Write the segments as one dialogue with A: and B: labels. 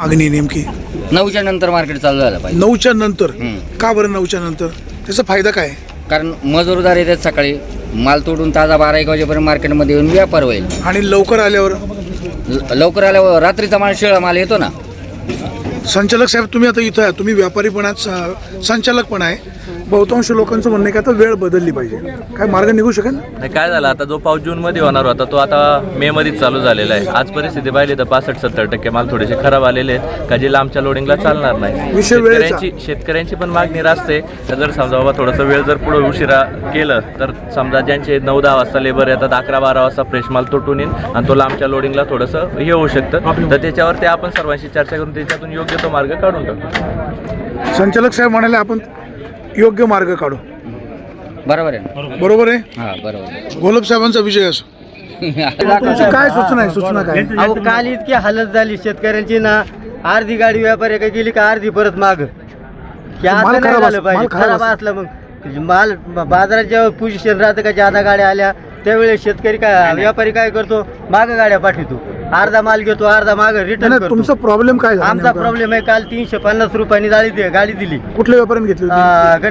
A: मागणी नेमकी
B: 9च्या नंतर मार्केट चालू झालं पाहिजे.
A: 9च्या नंतर का बरं 9च्या नंतर त्याचा फायदा काय?
B: कारण मजूरदार येतात सकाळी, माल तोडून ताजा 12-1 वाजेपर्यंत मार्केटमध्ये येऊन व्यापार होईल.
A: आणि लवकर आल्यावर
B: लवकर आल्यावर रात्रीचा माल शिळा माल येतो ना.
A: संचालक साहेब तुम्ही आता इथं आहे, तुम्ही व्यापारी पण आहात, संचालक पण आहे. बहुतांश लोकांचं म्हणणं आहे की आता वेळ बदलली पाहिजे, काय मार्ग निघू शकेल?
C: नाही, काय झालं आता जो पाऊस जूनमध्ये होणार होता तो आता मे मध्येच चालू झालेला आहे. आज परिस्थिती पाहिली तर 65-70% माल थोडेसे खराब आलेले आहेत का जे लांबच्या लोडिंगला चालणार नाही. शेतकऱ्यांची पण मागणी रासते. तर जर समजा बाबा थोडंसं वेळ जर पुढे उशिरा केलं तर समजा ज्यांचे 9-10 वाजता लेबर येतात 11-12 वाजता फ्रेश माल तुटून येईल आणि तो लांबच्या लोडिंगला थोडंसं हे होऊ शकतं. तर त्याच्यावरती आपण सर्वांशी चर्चा करून त्याच्यातून योग्य तो मार्ग काढून टाकू.
A: संचालक साहेब म्हणाले आपण योग्य मार्ग काढू.
B: बरोबर आहे.
A: बरोबर आहे.
B: हा बरोबर.
A: घोलप साहेबांचा विजय असो. तुमची काय सूचना आहे? सूचना काय?
D: अहो काल इतकी हालत झाली शेतकऱ्यांची ना, अर्धी गाडी व्यापारी काय गेली का अर्धी परत माग.
A: माल खराब
D: झालं पाहिजे, खराब असलं मग माल बाजारात जेव्हा पोझिशन राहतं का ज्यादा गाड्या आल्या त्यावेळेस शेतकरी काय व्यापारी काय करतो, माग गाड्या पाठवतो, अर्धा माल घेतो अर्धा माग रिटर्न करतो.
A: तुमचा प्रॉब्लेम काय झाला?
D: आमचा प्रॉब्लेम आहे काल 350 रुपयांनी गाडी दिली.
A: कुठल्या व्यापाऱ्याने घेतली होती?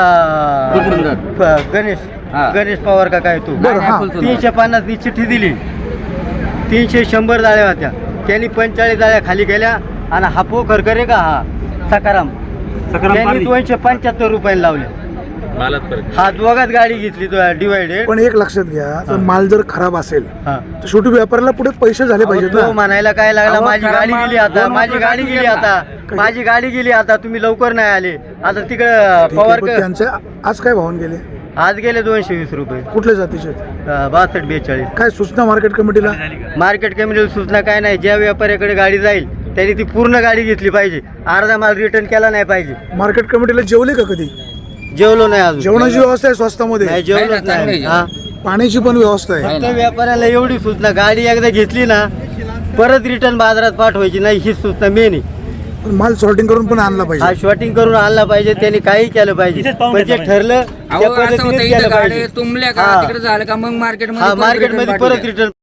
D: गणेश पवार का काय तू, 350 नी चिठ्ठी दिली. 300 जाळ्या होत्या, त्यांनी 45 जाळ्या खाली केल्या आणि हा पोखर करे का हा सकाराम त्यांनी 275 रुपयाला लावले. हा दोघात गाडी घेतली डिवायडेड.
A: पण एक लक्षात घ्या, जर माल जर खराब असेल तर शेवटी व्यापाऱ्याला पुढे पैसे झाले पाहिजेत ना.
D: म्हणायला काय लागला, माझी गाडी गेली आता, माझी गाडी गेली आता, माझी गाडी गेली आता, तुम्ही लवकर नाही आले. आता तिकडे पवार
A: त्यांचे आज काय भावून गेले?
D: आज गेले 220 रुपये.
A: कुठल्या जातीचे?
D: 62-42.
A: काय सूचना मार्केट कमिटीला?
D: मार्केट कमिटीला सूचना काय नाही, ज्या व्यापाऱ्याकडे गाडी जाईल त्यांनी ती पूर्ण गाडी घेतली पाहिजे, अर्धा माल रिटर्न केला नाही पाहिजे.
A: मार्केट कमिटीला जेवले का कधी?
D: जेवलो नाही अजून.
A: जेवणाची व्यवस्था आहे स्वस्तामध्ये?
D: नाही जेवलोच नाही.
A: पाण्याची पण व्यवस्था आहे.
D: फक्त व्यापाऱ्याला एवढी सूचना, गाडी एकदा घेतली ना परत रिटर्न बाजारात पाठवायची नाही, ही सूचना मेन आहे.
A: माल सॉर्टिंग करून पण आणला पाहिजे.
D: हा शॉर्टिंग करून आणला पाहिजे, त्यांनी काही केलं पाहिजे, पण जे ठरलं त्या पद्धतीनेच केलं पाहिजे.
B: तुमल्या का तिकडे झालं का मग मार्केटमध्ये
D: मार्केटमध्ये परत रिटर्न